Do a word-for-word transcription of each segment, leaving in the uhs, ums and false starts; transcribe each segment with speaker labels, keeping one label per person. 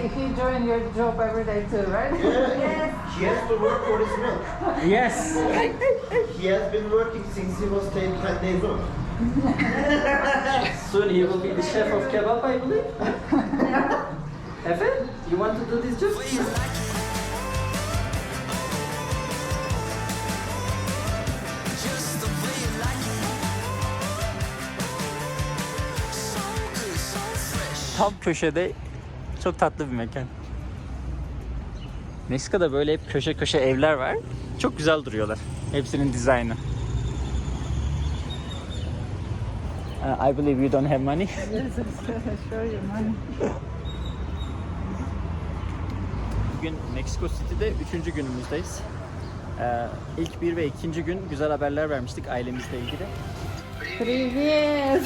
Speaker 1: he joined your job every day too, right?
Speaker 2: Yeah, yes. He has to work for his milk.
Speaker 3: Yes.
Speaker 2: He has been working since he was ten days old.
Speaker 3: Soon he will be the chef of kebab, I believe. Efe, you want to do this job? Tam köşede çok tatlı bir mekan. Meksika'da böyle hep köşe köşe evler var. Çok güzel duruyorlar. Hepsinin dizaynı. Uh, I believe you don't have money.
Speaker 1: Yes, show you money.
Speaker 3: Bugün Meksiko City'de üçüncü günümüzdeyiz. Ee, ilk bir ve ikinci gün güzel haberler vermiştik ailemizle ilgili.
Speaker 1: Привет!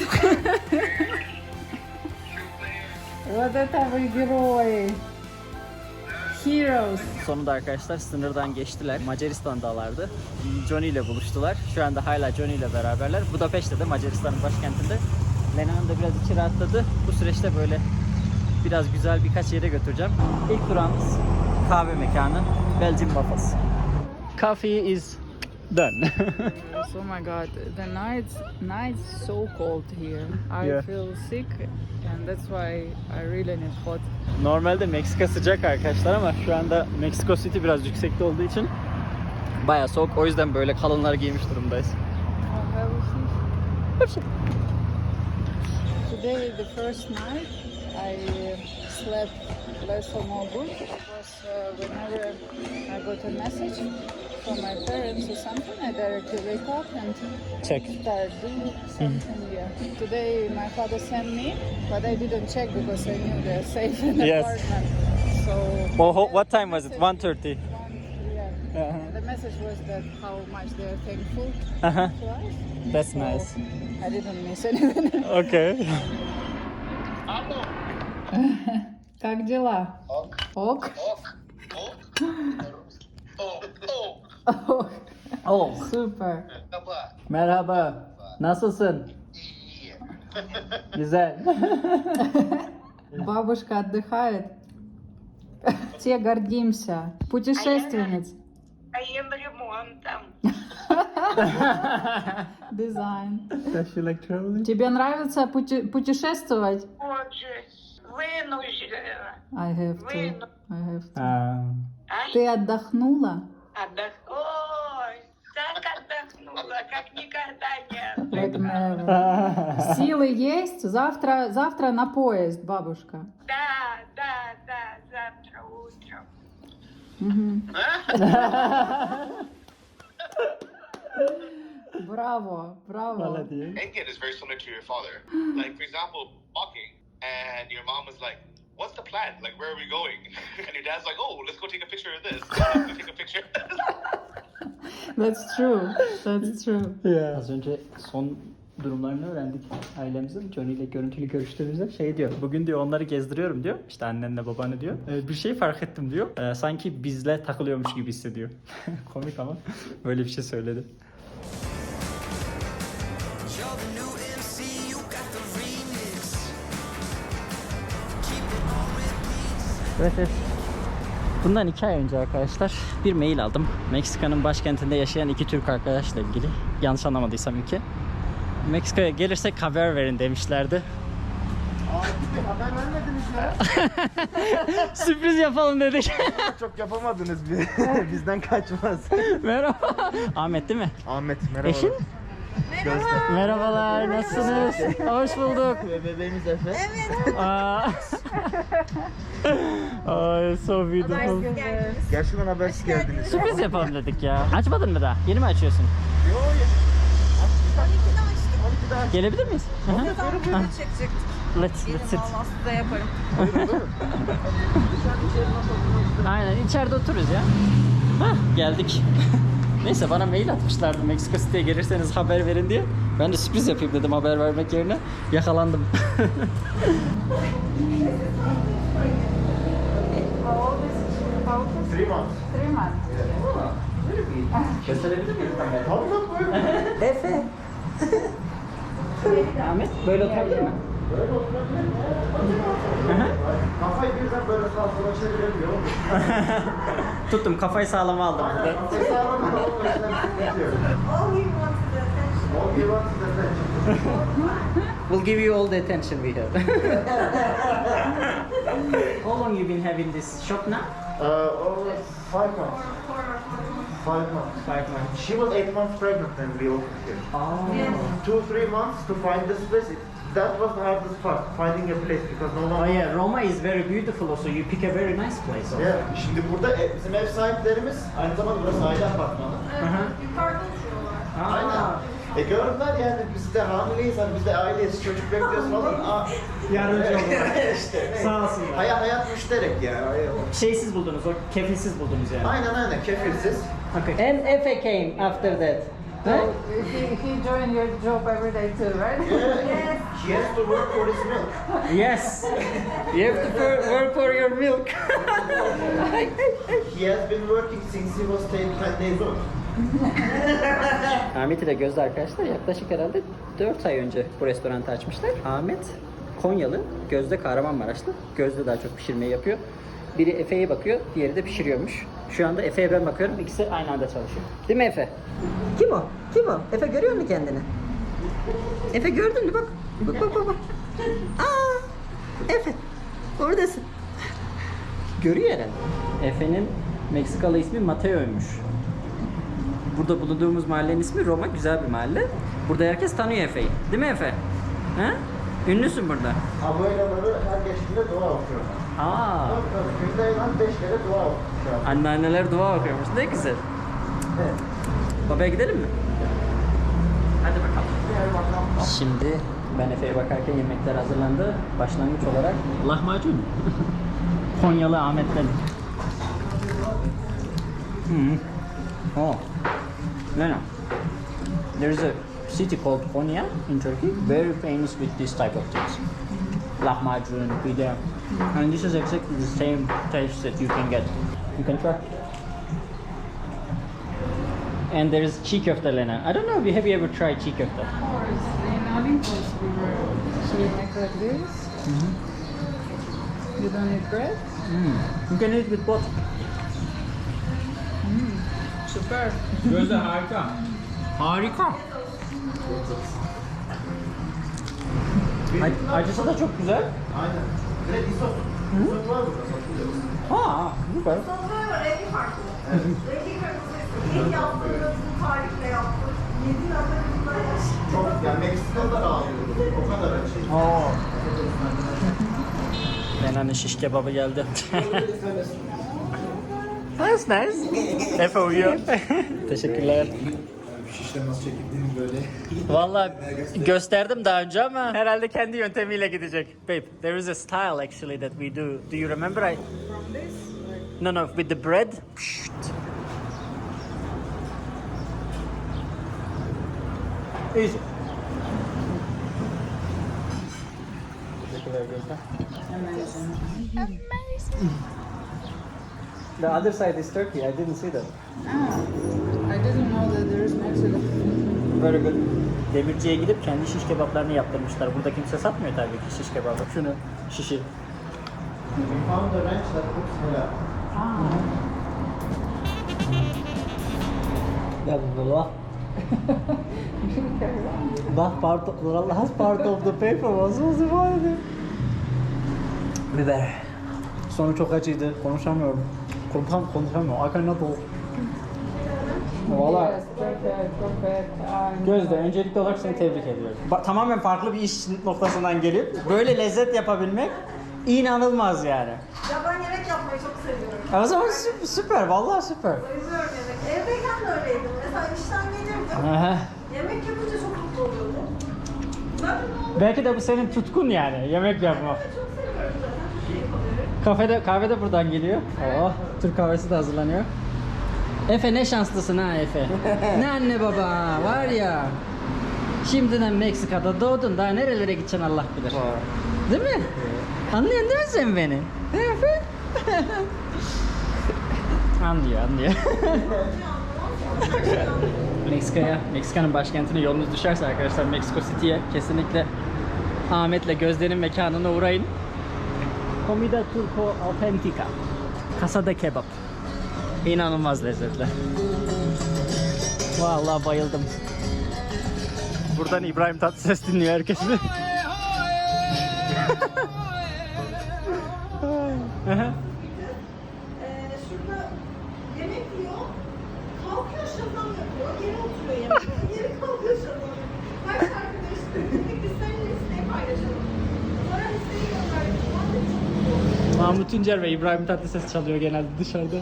Speaker 1: Вот это вы герои! Heroes!
Speaker 3: Sonunda arkadaşlar sınırdan geçtiler. Macaristan'dalardı. Johnny ile buluştular. Şu anda hala Johnny ile beraberler. Budapeşte de Macaristan'ın başkentinde. Lena Hanım da biraz içi rahatladı. Bu süreçte böyle biraz güzel birkaç yere götüreceğim. İlk durağımız kahve mekanı. Belgian Waffles. Coffee is done.
Speaker 1: Oh my god, the nights nights so cold here. I
Speaker 3: Yeah.
Speaker 1: feel sick and that's why I really need hot.
Speaker 3: Normalde Meksika sıcak arkadaşlar ama şu anda Meksiko City biraz yüksekte olduğu için bayağı soğuk. O yüzden böyle kalınlar giymiş durumdayız.
Speaker 1: Oh, have a seat. Today, the first night, I uh, slept less or more good because uh, whenever I got a message from my parents or something, I directly wake up and
Speaker 3: Check.
Speaker 1: start doing something. Yeah. Today, my father sent me, but I didn't check because I knew they're safe in the
Speaker 3: Yes.
Speaker 1: apartment. So.
Speaker 3: Well, ho- what time was it? one thirty.
Speaker 1: Yeah.
Speaker 3: Uh-huh.
Speaker 1: The message was that how much they're thankful
Speaker 3: Uh-huh.
Speaker 1: to us.
Speaker 3: That's
Speaker 1: So
Speaker 3: nice.
Speaker 1: I didn't miss anything.
Speaker 3: Okay.
Speaker 1: Как дела?
Speaker 2: Ок.
Speaker 1: Ок.
Speaker 2: Ok. Ok. Ok. Ok.
Speaker 3: Oh,
Speaker 1: Супер.
Speaker 2: Merhaba.
Speaker 3: merhaba. Nasılsın?
Speaker 2: İyi.
Speaker 3: Güzel.
Speaker 1: Бабушка отдыхает. Все гордимся. Путешественниц.
Speaker 4: Моим ремонтом.
Speaker 1: Дизайн.
Speaker 3: Does she like traveling?
Speaker 1: Тебе нравится пути- путешествовать?
Speaker 4: Боже, вынуждена.
Speaker 1: I have to.
Speaker 4: Вынуждена.
Speaker 1: I have to.
Speaker 3: Um,
Speaker 4: А?
Speaker 1: Ты отдохнула?
Speaker 4: Отдох... Ой, так отдохнула, как никогда не
Speaker 1: Like
Speaker 4: отдыхала.
Speaker 1: never. Силы есть? Завтра, завтра на поезд, бабушка.
Speaker 4: Да, да, да, завтра утром.
Speaker 1: Мгм. Браво, браво.
Speaker 2: Indian is very similar to your father. Like, for example, walking, and your mom was like, what's the plan? Like, where are we going? And your dad's like, oh, let's go take a picture of this. Let's go take a picture.
Speaker 1: That's true. That's true.
Speaker 3: Yeah. Az önce son durumlarını öğrendik ailemizin. Johnny ile görüntülü görüştüğümüzde şey diyor. Bugün diyor onları gezdiriyorum diyor. İşte annenle babanı diyor. Ee, bir şey fark ettim diyor. Ee, sanki bizle takılıyormuş gibi hissediyor. Komik ama böyle bir şey söyledi. Evet, evet. Bundan iki ay önce arkadaşlar bir mail aldım. Meksika'nın başkentinde yaşayan iki Türk arkadaşla ilgili. Yanlış anlamadıysam iki. Meksika'ya gelirsek haber verin demişlerdi.
Speaker 2: Abi haber vermediniz ya.
Speaker 3: Sürpriz yapalım dedik.
Speaker 2: Çok yapamadınız bir. Bizden kaçmaz.
Speaker 3: Merhaba. Ahmet değil mi?
Speaker 2: Ahmet merhaba.
Speaker 3: Eşin? Merhabalar, nasılsınız? Hoş bulduk.
Speaker 2: Ve bebeğimiz Efe.
Speaker 3: Aa. Ay, so beautiful.
Speaker 2: Gerçekten habersiz geldiniz.
Speaker 3: Sürpriz yapalım dedik ya. Açmadın mı daha? Yeni mi açıyorsun?
Speaker 2: Yo ya.
Speaker 5: on ikide açtık.
Speaker 2: on ikide açtık.
Speaker 3: Gelebilir miyiz? Hı hı.
Speaker 5: Tam burada çekecektik.
Speaker 3: Let's,
Speaker 5: Gelin
Speaker 3: let's sit.
Speaker 5: valla size yaparım.
Speaker 3: Aynen, içeride otururuz ya. Hah, geldik. Neyse, bana mail atmışlardı Meksiko City'ye gelirseniz haber verin diye. Ben de sürpriz yapayım dedim haber vermek yerine. Yakalandım.
Speaker 2: Three months.
Speaker 1: Three months.
Speaker 3: Gösterebilir miyim kamerayı?
Speaker 2: Tabii buyurun.
Speaker 3: Efe. Ahmet, böyle oturabilir mi?
Speaker 6: Böyle oturabilir mi? Kafayı birden böyle sağa sola çeviremiyor.
Speaker 3: Tuttum, kafayı sağlama aldım.
Speaker 6: Aynen, kafayı sağlam ama o yüzden sıkıntı yok.
Speaker 5: All he wants is attention.
Speaker 6: All you want is attention.
Speaker 3: We'll give you all the attention we have. How long you been having this shop now?
Speaker 6: Uh, over five months. Five months.
Speaker 3: Five months.
Speaker 6: She was eight months pregnant when we opened here.
Speaker 3: Oh.
Speaker 6: Two, three months to find this place. It- That was the hardest part, finding a place because no one...
Speaker 3: Oh yeah, Roma is very beautiful also. You pick a very nice place also.
Speaker 6: Yeah, şimdi burada e, bizim ev sahiplerimiz, aynı zamanda burası aile apartmanı.
Speaker 3: Hı-hı.
Speaker 5: Yukarıda oturuyorlar.
Speaker 6: Aynen. E gördüler yani biz de hamileyiz, hani biz de aileyiz, çocuk bekliyoruz falan. Aa,
Speaker 3: Yardımcı oldular.
Speaker 6: işte.
Speaker 3: Sağ olsunlar.
Speaker 6: Hayat hayat müşterek ya.
Speaker 3: Şeysiz buldunuz, o kefilsiz buldunuz yani.
Speaker 6: Aynen aynen, kefilsiz.
Speaker 3: Okay. And Efe came after that.
Speaker 1: So he, he joined your job every day too, right?
Speaker 6: Yeah, he has to work for his milk.
Speaker 3: Yes. You have to for- work for your milk.
Speaker 6: He has been working since he was ten days old.
Speaker 3: Ahmet ile Gözde arkadaşlar yaklaşık herhalde dört ay önce bu restoranı açmışlar. Ahmet Konyalı, Gözde Kahramanmaraşlı. Gözde daha çok pişirmeyi yapıyor. Biri Efe'ye bakıyor, diğeri de pişiriyormuş. Şu anda Efe'ye ben bakıyorum, ikisi aynı anda çalışıyor. Değil mi Efe? Kim o? Kim o? Efe görüyor mu kendini? Efe gördün mü? Bak. Bak bak bak. bak. Aa! Efe. Oradasın. Görüyor herhalde. Efe'nin Meksikalı ismi Mateo'ymuş. Burada bulunduğumuz mahallenin ismi Roma, güzel bir mahalle. Burada herkes tanıyor Efe'yi. Değil mi Efe? Ha? Ünlüsün burada.
Speaker 6: Abuelaları her geçtiğinde dua okuyor.
Speaker 3: Aa.
Speaker 6: Tabii tabii, günde en az beş kere dua okuyor.
Speaker 3: Anneanneler dua okuyormuş. Ne güzel.
Speaker 6: Evet.
Speaker 3: Babaya gidelim mi? Hadi bakalım. Şimdi ben Efe'ye bakarken yemekler hazırlandı. Başlangıç olarak lahmacun. Konyalı Ahmet'ten. Hmm. Oh. No, no. There's a city called Konya in Turkey, very famous with this type of things. Lahmacun, pide. And this is exactly the same taste that you can get. You can try. And there's çiğ köfte, Lena. I don't know, have you ever tried çiğ köfte?
Speaker 1: Of course, in Olympus we were eating like this. You don't need bread?
Speaker 3: Mm. You can eat with both.
Speaker 1: Super.
Speaker 3: Gözde harika. Harika. Ac- acısı da çok güzel.
Speaker 6: Aynen. Direkt isot. İsot var burada, satılıyor.
Speaker 3: Ha, süper.
Speaker 5: Sofraya var, rengi farklı. Rengi kırmızı. İlk yaptığımız tarifle yaptık. Yedi nazarımızda yaşadık.
Speaker 6: Çok, yani Meksikalılar ağlıyordu. O kadar acı.
Speaker 3: Oo. Lena'nın şiş kebabı geldi. That's nice. Efe uyuyor. Teşekkürler.
Speaker 6: Şişle nasıl çekildiğini böyle.
Speaker 3: Vallahi gösterdim daha önce ama herhalde kendi yöntemiyle gidecek. Babe, there is a style actually that we do. Do you remember? I...
Speaker 1: From this? Like,
Speaker 3: No, no, with the bread. Pşşt. Easy. Teşekkürler Gözde.
Speaker 1: amazing.
Speaker 3: The other side is Turkey. I didn't see that.
Speaker 1: Ah, I didn't know that there is Mexico.
Speaker 3: Very good. Demirciye gidip kendi şiş kebaplarını yaptırmışlar. Burada kimse satmıyor tabii ki şiş kebabı. Şunu şişi.
Speaker 6: We found a ranch that cooks halal.
Speaker 3: Yallah. That part of, the last part of the paper was also funny. Biber. Sonu çok acıydı. Konuşamıyorum. Konuşam konuşamıyorum. I cannot talk. Valla
Speaker 1: Yes, perfect, perfect. I'm
Speaker 3: Gözde, öncelikli olarak seni tebrik ediyorum. Ba- tamamen farklı bir iş noktasından gelip böyle lezzet yapabilmek inanılmaz yani.
Speaker 5: Ya ben yemek yapmayı çok seviyorum.
Speaker 3: O zaman sü- süper, vallahi süper.
Speaker 5: Bayılıyorum yemek. Evdeyken de öyleydim. Mesela işten gelirdim.
Speaker 3: Aha.
Speaker 5: Yemek yapınca çok mutlu oluyordum. Ben
Speaker 3: Belki de bu senin tutkun yani, yemek yapmak.
Speaker 5: çok seviyorum zaten.
Speaker 3: Kafede, kahve de buradan geliyor. Oh, Türk kahvesi de hazırlanıyor. Efe ne şanslısın ha Efe. Ne anne baba var ya. Şimdiden Meksika'da doğdun, daha nerelere gideceksin Allah bilir. Değil mi? Anlıyorsun değil mi sen beni? Efe? Anlıyor, anlıyor. Meksika'ya, Meksika'nın başkentine yolunuz düşerse arkadaşlar Meksiko City'ye kesinlikle Ahmet'le Gözde'nin mekanına uğrayın. Comida Turco Autentica. Casa de Kebap. İnanılmaz lezzetli. Vallahi bayıldım. Buradan İbrahim Tatlıses dinliyor herkesi.
Speaker 5: Ee, şurada yemek yiyor, kalkıyor şazam yapıyor, geri oturuyor yemek, geri kalkıyor şazam yapıyor. Kaç arkadaş dedik biz seninle listeyi paylaşalım. Sonra listeyi gönderdik. Ben de çok mutlu oldum.
Speaker 3: Mahmut Tuncer ve İbrahim Tatlıses çalıyor genelde dışarıda.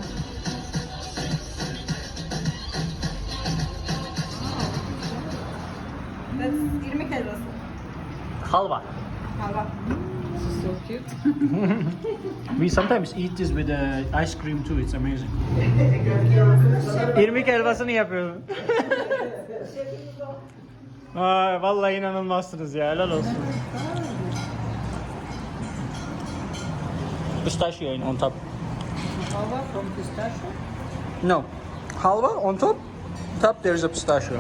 Speaker 5: That's irmik helvası.
Speaker 3: Halva.
Speaker 5: Halva.
Speaker 1: So cute.
Speaker 3: We sometimes eat this with uh, ice cream too. It's amazing. İrmik helvasını yapıyorum. Ay, vallahi inanılmazsınız ya. Helal olsun. Pistachio on top.
Speaker 1: Halva from pistachio.
Speaker 3: No. Halva on top. Top there is a pistachio.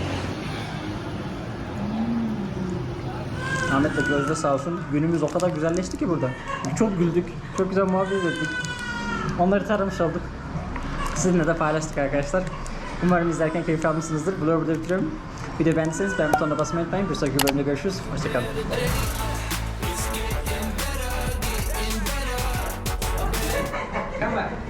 Speaker 3: Ahmet'le Gözde sağ olsun. Günümüz o kadar güzelleşti ki burada. Çok güldük. Çok güzel muhabbet ettik. Onları taramış olduk. Sizinle de paylaştık arkadaşlar. Umarım izlerken keyif almışsınızdır. Vlogu burada bitiriyorum. Videoyu beğendiyseniz beğen butonuna basmayı unutmayın. Bir sonraki bölümde görüşürüz. Hoşçakalın.
Speaker 1: Come back.